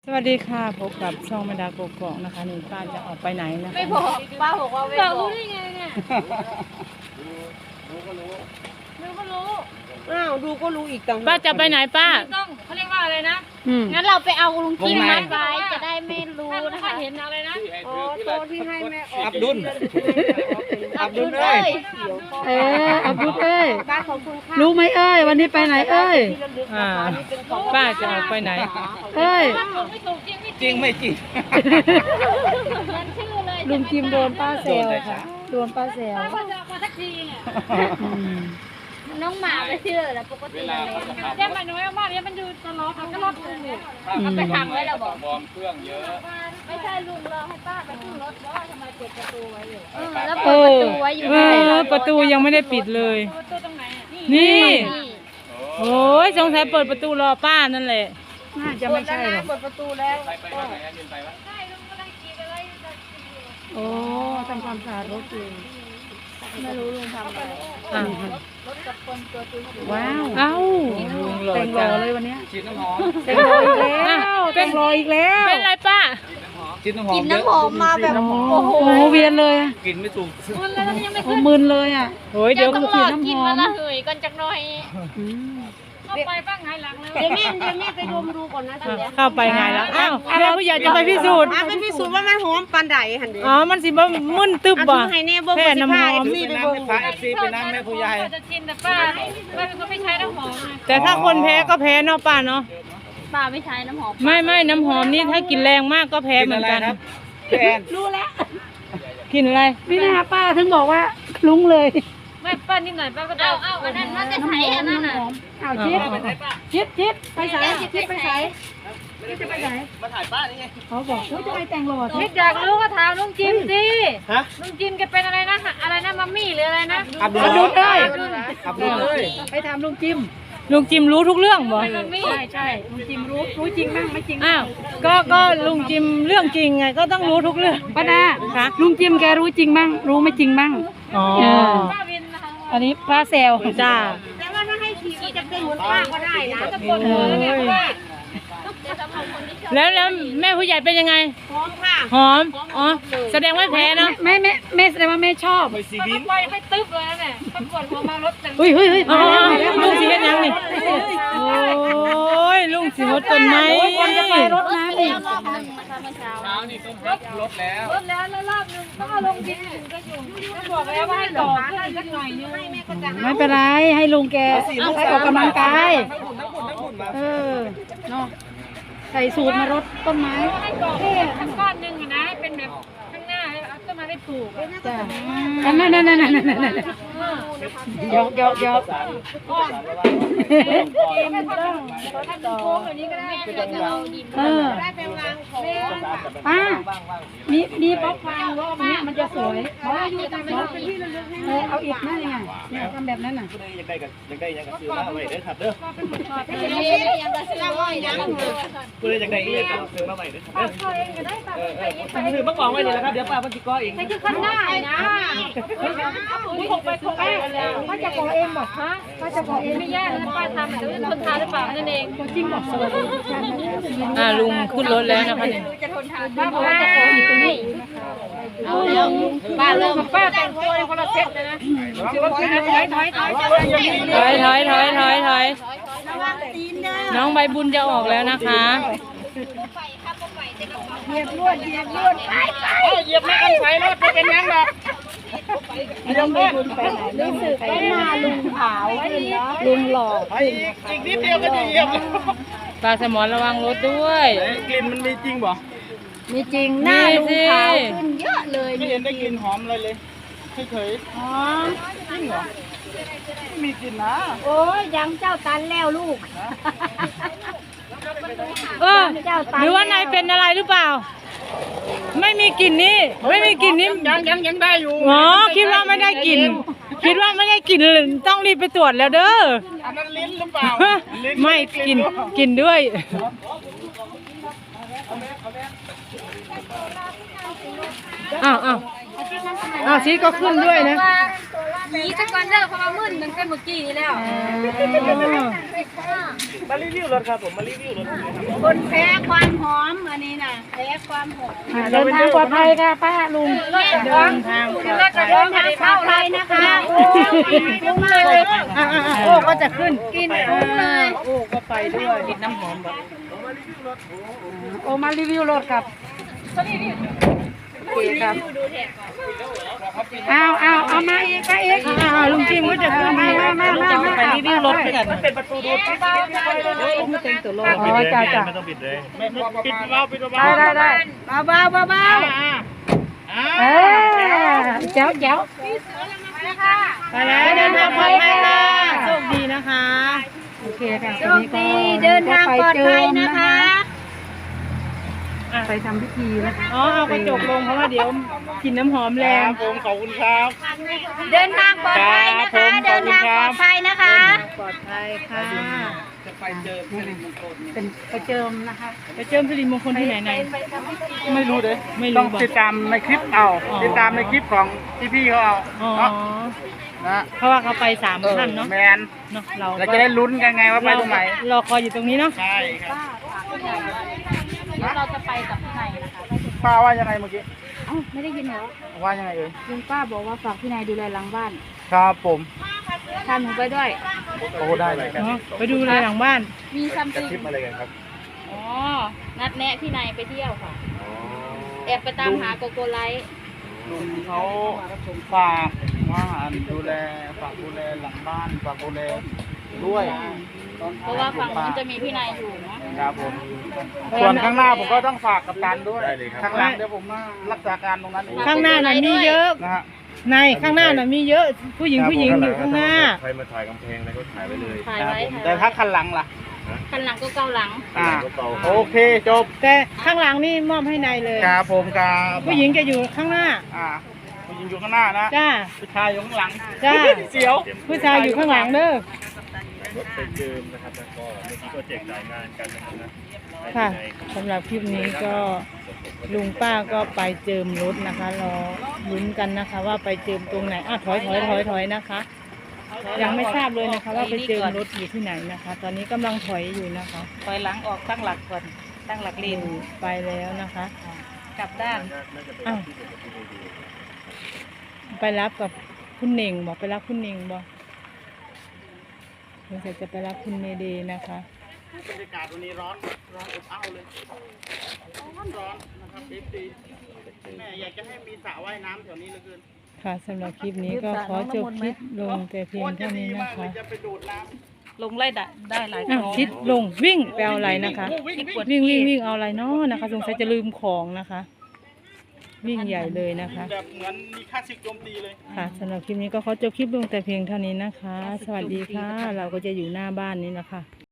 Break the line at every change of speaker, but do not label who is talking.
วัสดีค่ะพบกับช่องแม่ดาโกกอกนะคะนี่ป้าจะออกไปไหนนะคะไม่
บอกป้าบอกว่าไม่บอกรู้ได้ไงเนี่ยดูก็รู้
อ้าวดูก็รู้อีกต่างหาก
ป้าจะไปไหนป้า
ต้องเขาเรียกว่าอะไรนะ
งั้นเราไปเอาลุงกิมมัดไว้จะได้ไม่รู้
นะ
นะคะ
เห็นอะไรนะ
อ๋อโตที่ให้แม่ออก
อับดุล
อับดุลเอ้ย
อับดุลเอ้ย
ป้าขอบคุณค่ะ
รู้ไหมเอ้ยวันนี้ไปไหนเอ้ยป้าจะออกไปไหนเอ้ย
ไม่ถูกจริงไม่
จริงไม่จริง
มันชื่อเลย
ลุงจิมโดนป้าแซวค่ะโดนป้าแซว
ป้าก็จะมาทักทีเนี่ย
น้องหมาไปเชื่อแล้วปกติเลย
แจ้งมาหน่อยว่าเนี่ยมันอยู่ตลอดก็รอดกู
เอาไปทำไว้แล้วบอก
บอมเครื่องเยอะ
ไม่ใช่ลุงรอให้ป้าไปขึ้นรถว่าทำไมเปิดประตูไว้อยู่แล้วเปิดประตูไว้อยู่
ประตูยังไม่ได้ปิดเลย
ตัวตรงไหนอ่ะ
นี่โอ้ยสงสัยเปิดประตูรอป้านั่นแหละน่าจะไม่ใช่หรอก
เปิดประตูแล้ว
ไปว่าไหนยืนไปวะ
ใช่ลุงก็ได้กินอะไร
โอ้ทำความสะอาดรถอยู่
ไม่รู้ลุงทำอะไร รถกับคนตัวจริง
ว้าวเอ้าแต่งรอเลยวันนี้
ฉีดน้ำหอม
แต่งรออีกแล้วแต่งรออีกแล้วเป็นไรป้า
ฉีดน้ำหอม
กินน้ำหอมมาแบบโอ้โห
โอ้เวียนเลย
กินไม่ถูก
มันแล้วยังไม่
โอ้มึนเลยอ่ะโอ้ยเดี๋ยว
ต้องร
ฉี
อ
ดน้ำห
กิน
อ
วัน
ม
ละเหยกันจักหน่อย
เข้าไปบ้างไงหลังเลย
เดี๋ยวแม่ไปดมดูก่อนนะทีเดียว
เข้าไปไงแล้วอ้าวแม่ผู้ใหญ่จะไปพิสูจน์
ไปพิสูจน์ว่ามันหอมปานใดหันเดียว
อ๋อมันสิบ่มึนตึบบ่
ให้แน่เบิ่ง
แค่น้ำหอม
นี่
เป็น
ไป
น้ำ
เบิ่ง
แม่พระเอฟซีเป็นน้ำแม่ผู้ใหญ่
จะชินแต่ป้าเป็นคนไม่ใช้น้ำหอมไง
แต่ถ้าคนแพ้ก็แพ้เนาะป้าเนาะ
ป้าไม่ใช้น้ำหอม
ไม่น้ำหอมนี่ถ้ากินแรงมากก็แพ้เหมือนกัน
พี่แอน
รู้แล้ว
กินอะไรพี่นาป้าถึงบอกว่าลุ้งเลย
ไม่ป้านิดหน่อยป้าก็ได้
เอาอันนั้นน่าจะใช้อันนั้นน่ะ
เอาชิดไปใส่ชิดไปใส่จะไปไหน
มาถ่ายป้านี่ไง
เขาบอกเฮ้ยจะไปแต่งหล่อ
คิดอยากรู้ก็ถามลุงจิมสิ
ฮะ
ลุงจิมแกเป็นอะไรนะอะไรนะมัมมี่หรืออะไรนะ
อับดุล
ได้
อับดุลเลย
ไปถามลุงจิมรู้ทุกเรื่องบ่
มัมมี่
ใช่ลุงจิมรู้จริงบ้างไม่จริงอ้าวก็ลุงจิมเรื่องจริงไงก็ต้องรู้ทุกเรื่องป้าดาค่ะลุงจิมแกรู้จริงบ้างรู้ไม่จริงบ้างอ๋อ
ป้าวินนะคะ
อันนี้ป้าแซวจ้า
แต่ว่าถ้าให้ขี่ก็จะเป็นเหมือนป้าก็ได้นะ
ตะโกนเลยเนี่ยว่า
แล้วแม่ผู้ใหญ่เป็นยังไง
หอมค่ะ
หอมอ๋อแสดงว่าแพ้เนาะแม่แสดงว่าแม่ชอบ
ไปซี
ป้า
วิ
ก็
น
ปล่อยไปตึ๊บเลยเนี่ยตะโกนหัวมารถจัง
เฮ้ยมาแล้วลุงสิเฮ็ดยังนี่โอ้ยลุงสิรถต้นไม้คนจะไปรถน้ำอีก
รอบหนึ่งนะคะเมื่อเช้า
เช้านี่ต้องรถแล้ว
รถแล้วรอบนึงต้องเอาลงดินถึงก็อยู่ก็บอกแล้วว่าให้ต่อขึ้นสักหน่อยนึง
ไม่เป็นไรให้ลุงแกไปออกกำลังกาย
ทั้งหุ่นมา
เออเนาะใส่สูตรมารดต้นไม้
ให้ต่อขึ้นสักก้อนนึงนะให้เป็นแบบข้างหน้าเอาต้นไม้ได้ปลูก
จ้ะนั่นยก
ไม่ต้องถ้าดูโค้งแบบนี้ก็ได้
ได้ไปวางของ
ป้ามีบล็อกฟางรอบนี้มันจะสวยเอาอีกนั่นไงเนี่ยทำแบบนั้นน่ะ
ยังได้ยังกับซื้อมาไว้เด้อครับเด้อ
ยังจะซื้อไว้ยัง
กูเลยยังได้อีกกับซื้อมาไว้เด้อครับเด้อซื้อมาบอกไว้นี่แหละครับเดี๋ยวป้ามันสิก้อเอง
นี่คือข้างหน้านะคุณคงไปคงไปแล้ว
ป้าจะขอเองบอกฮะป้าจะขอเอง
ไม่ยากนะป้าทำแต่ว่าคนทานหรือเปล่านั่นเอง
จริงบอกสวัสดีลุงขึ้นรถแล้วนะคะเนี่ย
จะทนทาน
ป้าบอกว่าจะขออยู่ตรงนี้
เอาแล้วป้าเริ่ม
ป้าแต่งตัวในคนละเซ็ตเลยนะถอย
น้องใบบุญจะออกแล้วนะคะ
เหยียบลวดไป
เหยียบไม่กันไฟรถไม่เป็นยังหรอก
รู้สึกว่าหน้าลุงขาวขึ้นเนาะลุงหล่อ
อีกนิดเดียวก็จะเหยียบ
ปลาสมอนระวังรถด้วย
กลิ่นมันมีจริงบ่
มีจริงหน้าลุงขาวขึ้นเยอะเลย
ไม่เห็นได้กลิ่นหอมอะไรเลยเฉย
อ๋อ
ๆจริงเหรอไม่มีกลิ่นนะ
โอ้ยยังเจ้าตันแล้วลูก
หรือว่านายเป็นอะไรหรือเปล่า ไม่มีกลิ่นนี่ไม่มีกลิ่นนี่
ยังได้อยู่
อ๋อคิดว่าไม่ได้กลิ่นคิดว่าไม่ได้กลิ่นต้องรีบไปตรวจแล้วเด้อ
อันนั้นลิ้นหรือเปล่า
ไม่กินด้วยอ้าวชีก็ขึ้นด้วยนะ
ผีสักวันเลิกพอมามึนมันเป็นเมื่อกี้นี่แล้ว
มารีวิวรถครับผมมารีวิวรถ
คนแพ้ความหอมความหด
เดินทางปลอดภัยค่ะป้าลุงเดินทางปลอดภัย
เดินทางปลอดภัยนะคะโอ้ยเลย
โอ้ก็จะขึ้น
กินคุ้มเลย
โอ้ก็ไปด้วยกินน้ำหอมแบบโอ้มารีวิวรถครับโอเคครับเอามาอีกไปอีกลุงจิมก็จะขึ้นมาไปรีวิวรถกัน
มันเป็นประตูดูดปิด
ไม่เต็มตัวรถอ๋อจ้า
ไม่ต้องปิดเลยปิดเบาปิดเบา
ได้เบาเจ้าไปแล้วเดินทางปลอดภัยค่ะโชคดีนะคะโอเคค่ะ
โชคดีเดินทางปลอดภัยนะคะ
ไปทำพิธีนะคะอ๋อเอากระจกลงเพราะว่าเดี๋ยวกลิ่นน้ำหอมแรง
ผมขอบคุณครับ
เดินทางปลอดภัยนะคะ เดินทางปลอดภัยนะคะ
ปลอดภัยค่ะ
จะไปเจอสิริมงคล
เป็นไปเจิมนะคะไปเจิมสิริมงคลที่ไหนไหน
ไม่รู้เลย
ไม่รู้
ต้องติดตามในคลิปเอา
อ๋อ
ติดตามในคลิปของพี่เขาเอา
อ๋อ
นะ
เพราะว่าเขาไป3 ท่านเนาะ
แมน
เนาะเรา
เราจะได้ลุ้นกันไงว่าไปตรงไหน
รอคอยอยู่ตรงนี้เนาะ
ใช่ครับ
เราจะไปกับพี่นายนะคะ
ป้าว่ายังไงเมื่อกี้
เอ้าไม่ได้ยินเหรอ
ว่ายังไงเอ่ย
ลุงป้าบอกว่าฝากพี่นายดูแลหลังบ้าน
ครับผม
พาหนูไปด้วย
โอ้ได้เลยครับ
เนาะไปดูเลยหลังบ้าน
มีซัมติง
คลิปอะไรกันครับ
อ๋อ นัดแนะพี่นายไปเที่ยวค่ะ แอบไปตามหาโกโกไลท์
ลุงเขาฝากว่าดูแลฝากดูแลหลังบ้านฝากดูแลด้วย
เพราะว่าฝั่งนู้นจะมีพี่นายอยู่เนาะ
ครับผมส่วนข้างหน้าผมก็ต้องฝากกับการด้วยข้างหลังเดี๋ยวผมมารักษาการตรงนั้นเอง
ข้างหน้าน่ะมีเยอะ
นะฮะ
ในข้างหน้าน่ะมีเยอะผู้หญิงอยู่ข้างหน้า
ใครมาถ่ายกำแพงแล้วก็ถ่ายไว้เลย
ถ่าย
ครับ
ไว้
ผม
ค่ะ
แต่ถ้าคันหลังล่ะ
คันหลังก็เกาหลัง
โอเคจบ
แต่ข้างหลังนี่มอบให้นายเลย
ครับผมครับ
ผู้หญิงจะอยู่ข้างหน้า
ผู้หญิงอยู่ข้างหน้านะ
จ้า
ผู้ชายอยู่ข้างหลัง
จ้า
เสียว
ผู้ชายอยู่ข้างหลังเด้อ
รถไปเจิมนะครับแล้วก็เมื่อกี้ก็แจกจ่ายงานกันนะครับนะ
ค่ะสำหรับคลิปนี้ก็ลุงป้าก็ไปเจิมรถนะคะรอลุ้นกันนะคะ ว่าไปเจิมตรงไหนถอยนะคะ ยังไม่ทราบเลยนะคะ ว่าไปเจิมรถอยู่ที่ไหนนะคะ ตอนนี้กำลังถอยอยู่นะคะ
ถอยหลังออกตั้งหลักก่อนตั้งหลักเลน
ไปแล้วนะคะ
กลับด้าน
อ้าวไปรับกับคุณเน่งบอกไปรับคุณเน่งบอกเราจะไปรับคุณเมเดย์นะคะ
บรรยากาศวันนี้ร้อนอบอ้าวเลยร้อนนะครับแม่อยากจะให้มีสระว่ายน้ำแถวนี้เหลือเกิน
ค่ะสำหรับคลิปนี้ก็ขอจบคลิปลงแต่เพียงเท่านี้นะคะ
จะไปดูดน้
ลงไล่ได้หลายค
อ้าว
รั้ง
ชิดลงวิ่งไปเอาอะไรนะคะ วิ่งเอาอะไรเนาะนะคะสงสัยจะลืมของนะคะ วิ่งใหญ่เลยนะคะ
ำแบบเหมือนมีค่าศึกโจมตีเลย
ค่ะสำหรับคลิปนี้ก็ขอจบคลิปลงแต่เพียงเท่านี้นะคะ สวัสดีค่ะ เราก็จะอยู่หน้าบ้านนี้นะคะ